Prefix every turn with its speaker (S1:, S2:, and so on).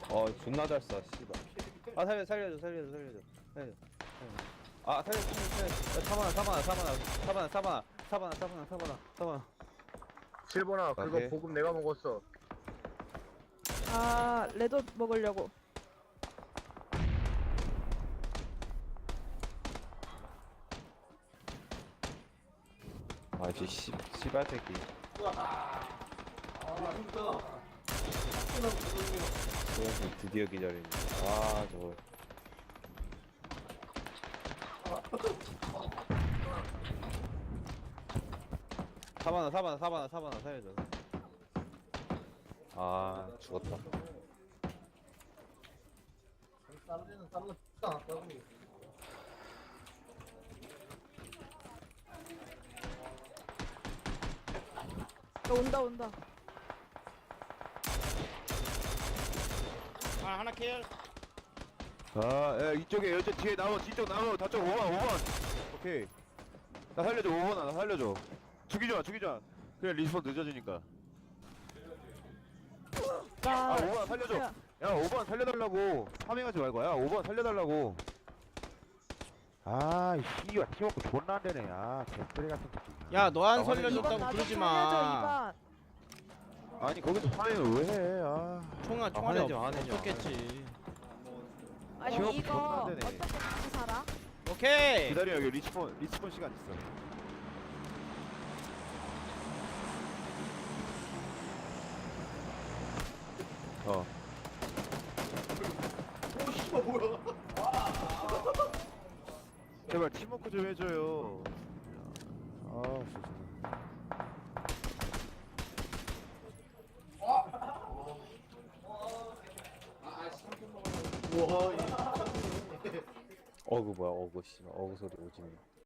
S1: 존나 잘 쏴, 씨발. 아, 살려줘. 아, 살려줘. 사바나.
S2: 실버나 그거
S1: 오케이.
S2: 보급 내가 먹었어.
S3: 아, 레드 먹으려고.
S1: 아, 씨발 새끼. 드디어 기다리네. 아, 저거. 사바나, 살려줘. 아, 죽었다.
S3: 온다.
S4: 아 하나 킬.
S1: 야, 이쪽에, 여기 뒤에 뒤쪽 나무, 다쪽 5번. 오케이. 나 살려줘, 5번, 나 살려줘. 죽이지 마. 그래, 리스폰 늦어지니까. 아, 5번 살려줘.
S3: 야,
S1: 야, 5번 살려달라고. 파밍하지 말고. 야, 5번 살려달라고. 아, 씨발, 키워갖고 존나 안 되네. 아, 개쓰레 같은 새끼.
S4: 야 너 안
S1: 아,
S4: 살려줬다고
S3: 나좀
S4: 그러지
S3: 살려줘,
S4: 마.
S1: 아니, 거기서 파밍을 왜 해, 아.
S4: 총알이
S1: 화내지 마, 화내지 마.
S4: 없었겠지.
S3: 아니
S1: 키워갖고
S3: 이거
S1: 존나 안 되네.
S3: 어떻게 다시 살아?
S4: 오케이.
S1: 기다려, 여기 리스폰 시간 있어. 제발 팀워크 좀 해줘요. 아, 진짜. 어그 뭐야, 어그 씨발, 어그 소리 오지네.